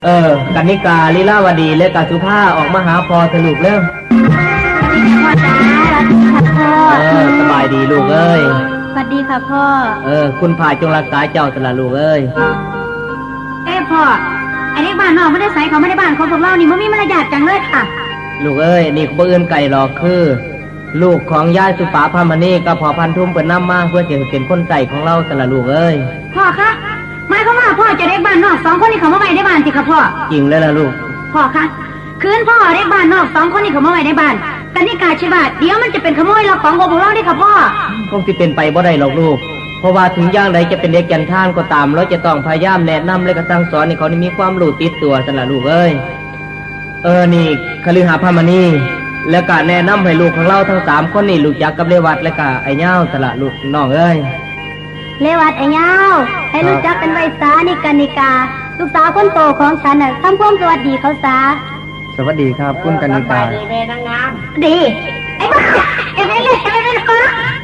กนิกาลีลาวดีและกาสุภาออกมาหาพอสรุปแล้วพ่อจ๋าสวัสดีค่ะพ่อสบายดีลูกเอ้ยสวัสดีค่ะพ่อคุณพายจงรักษาเจ้าสละลูกเอ้ยพ่อไอ้เด็กบ้านนอกไม่ได้ใส่เขาไม่ได้บ้านของพวกเรานี่มันมีมารยาทจังเลยค่ะลูกเอ้ยนี่บ่อื่นไก่หรอกคือลูกของย่าสุปาพามณีกับพ่อพันทุ่มเปิดน้ำมาเพื่อจะเป็นคนใจของเราสละลูกเอ้ยพ่อคะหมายความว่าพ่อจะเด็กบ้านนอกสองคนนี้เขามาไว้ในบ้านสิคะพ่อจริงแล้วล่ะลูกพ่อคะคืนพ่อเด็กบ้านนอกสองคนนี้เขามาไว้ในบ้านกนิกาชิบะเดี๋ยวมันจะเป็นขโมยเราของพวกเราได้ค่ะพ่อคงจะเป็นไปบ่ได้หรอกลูกเพราะว่าถึงอย่างใดจะเป็นเด็กแก่นท่านก็ตามเราจะต้องพยายามแนะนำและก็สั่งสอนให้เขามีความรู้ติดตัวสละลูกเอ้ยนี่คฤหาพามณีแล้วก็แนะนำให้ลูกของเราทั้ง3คนนี่รู้จักกับเลวัตและก็ไอ้เหย้าสละลูกน้องเอ้ยเลวัตไอ้เหย้าให้รู้จักเป็นไว้ซานี่กนิกาลูกสาวคนโตของฉันน่ะทำความสวัสดีเขาซะสวัสดีครับคุณกนิกาดีแม่นางงามดีไอ้บ้าไอ้แม่พ่อ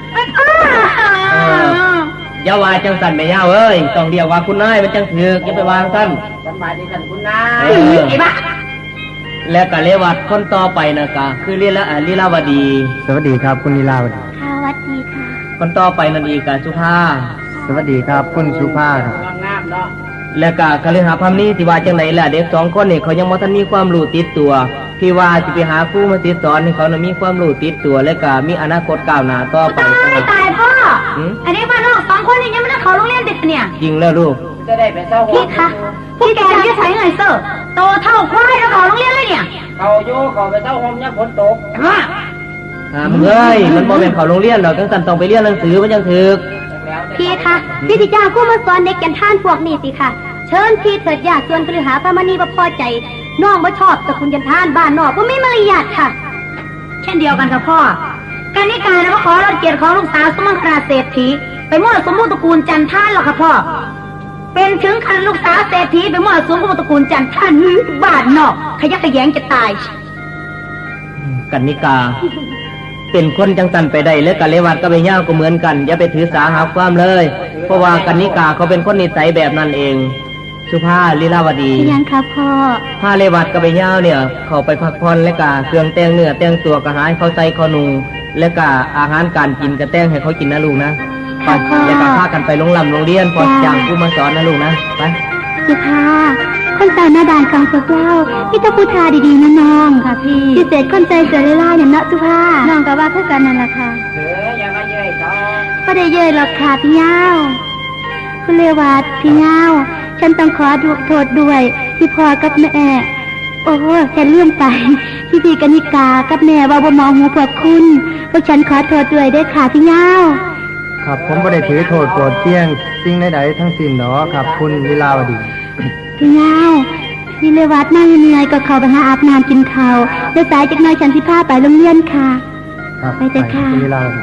อย่าว่าจังสันแม่ย่าเอ้ยต้องเรียกว่าคุณนายมันจังถือกอย่าไปวางสั้นสบายดีกันคุณนายไอ้บ้าและก็เลวัตคนต่อไปนะคะคือลีลาวดีสวัสดีครับคุณลีลาวดีสวัสดีค่ะคนต่อไปนั่นอีกสุภาสวัสดีครับคุณสุภาครับงามเนาะและก็คฤหาพามณีที่ว่าจังไหนล่ะเด็ก2คนนี่เขายังบ่ทันมีความรู้ติดตัวที่ว่าสิไปหาครูมาสอนให้เขามีความรู้ติดตัวและก็มีอนาคตก้าวหน้าต่อไปตายพ่ออันนี้บ้านนอก2คนนี่ยังไม่ได้เข้าโรงเรียนเด็กเนี่ยจริงแล้วลูกจะได้ไปเศร้าพี่คะพี่แกจะใช้เงินเซอร์โตเท่าควายแล้วเข้าโรงเรียนเลยเนี่ยเขาโย่เขาไปเศร้าห้องยังฝนตกมึงเอ้ยมันบ่เป็นเข้าโรงเรียนดอกจังซั่นต้องไปเรียนหนังสือมันจังถึกพี่คะพี่สิจ้างครูมาสอนเด็กแก่นท่านพวกนี้สิค่ะเชิญพี่เถิดญาติส่วนคฤหาพามณีบ่พอใจน้องบ่ชอบสกุลจันทานบ้านนอกบ่มีมารยาทค่ะเช่นเดียวกันกับพ่อกนิกานะว่าขอรับเกียรติของลูกสาวสมังคราเศรษฐีไปมั่วสมมุติตระกูลจันทานหรอกค่ะพ่อเป็นถึงคันลูกสาวเศรษฐีไปมั่วสมมุติตระกูลจันทานบ้านนอกขยักขยงจะตายกนิกาเป็นคนจังสันไปได้และกะเลวัดก็ไปย่างก็เหมือนกันอย่าไปถือสาหาความเลยเพราะว่ากนิกาเขาเป็นคนนิสัยแบบนั้นเองสุภาลีลาวดียังครับพ่อพาเลวัดก็ไปย่างเนี่ยเขาไปพักผ่อนและกะเครื่องแต่งเนื้อแต่งตัวกะหายเขาใส่เขานุ่งและกะอาหารการกินกะแต่งให้เขากินนะลูกนะแล้วก็พากันไปโรงเรียนพอจ้างผู้มาสอนนะลูกนะไปสุภาคนสาวหน้าด่านของพวกเราพี่ต้องพูดจาดีๆนะน้องค่ะพี่พิเศษคนใจเสือเล่าอย่างเนาะสุภาน้องก็ว่าเพื่อกันนั่นแหละค่ะอย่ามาเย้ยต่อไม่ได้เย้ยหรอกค่ะพี่เงาคุณเลวัตพี่เงาฉันต้องขอโทษด้วยที่พ่อกับแม่โอ้ฉันลืมไปพี่กนิกากับแม่ว่าบ่มองหูพวกคุณพวกฉันขอโทษด้วยด้วยค่ะพี่เงาครับผมไม่ได้ถือโทษโกรธเที่ยงสิ่งใดๆทั้งสิ้นหรอครับคุณลีลาวดีพี่เงาพี่เลวัตนั่งเหนื่อยก็เข้าไปหาอาบน้ำกินข้าวเดี๋ยวสายจากน้อยฉันสิพาไปโรงเรียนค่ะไปเถอะค่ะคุณลีลาวดี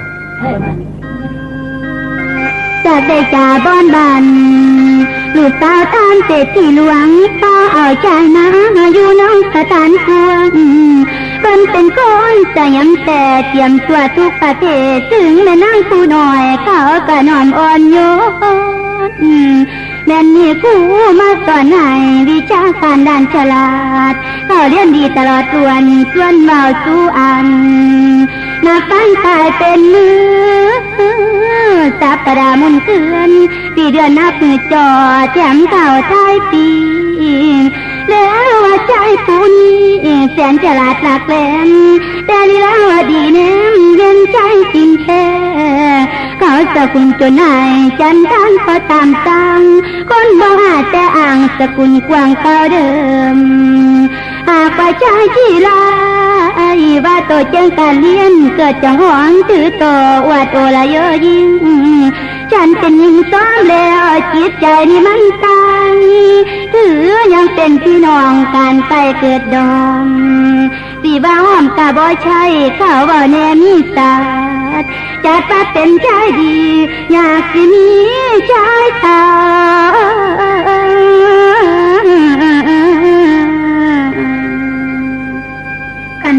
จากได้จ่าบ้านบันลูกสาวตามเศรษฐีหลวงป้าเอาใจนะอยู่น้องสถานพวงเป็นคนสยามแต่เตรียมตัวทุกประเภทถึงแม่นางผู้น้อยเขาก็นอมอ่อนโยนแม่นี่ผู้มาสอนให้วิชาการด้านฉลาดเขาเรียนดีตลอดส่วนเมาสู้อันนักตั้งตายเป็นมือสัปดาห์มุนเตือนปีเดือนนับมือจอแถมเข่าท้ายปีแล้วว่าใจผู้นี้แสนฉลาดหลักแหลมแต่ลีลาวดีแนมเย็นใจจริงแท้เขาสกุลจนนายจันทานพอตามตังคนบ่หาแต่อ่างสกุลกว้างเก่าเดิมหากว่าใจที่ลาว่าโตเจ้งการเลี้ยนเกิดจากหวังถือโตอวดโอละเยอะยิ่งฉันเป็นหญิงซ้อมแล้วจิตใจนี่มันตายถือยังเป็นพี่น้องการไปเกิดดอมสีบ้าห้อมกะบ่ใช่เขาว่าแน่มีศาสตร์จัดว่าเป็นใจดีอยากจะมีใจตา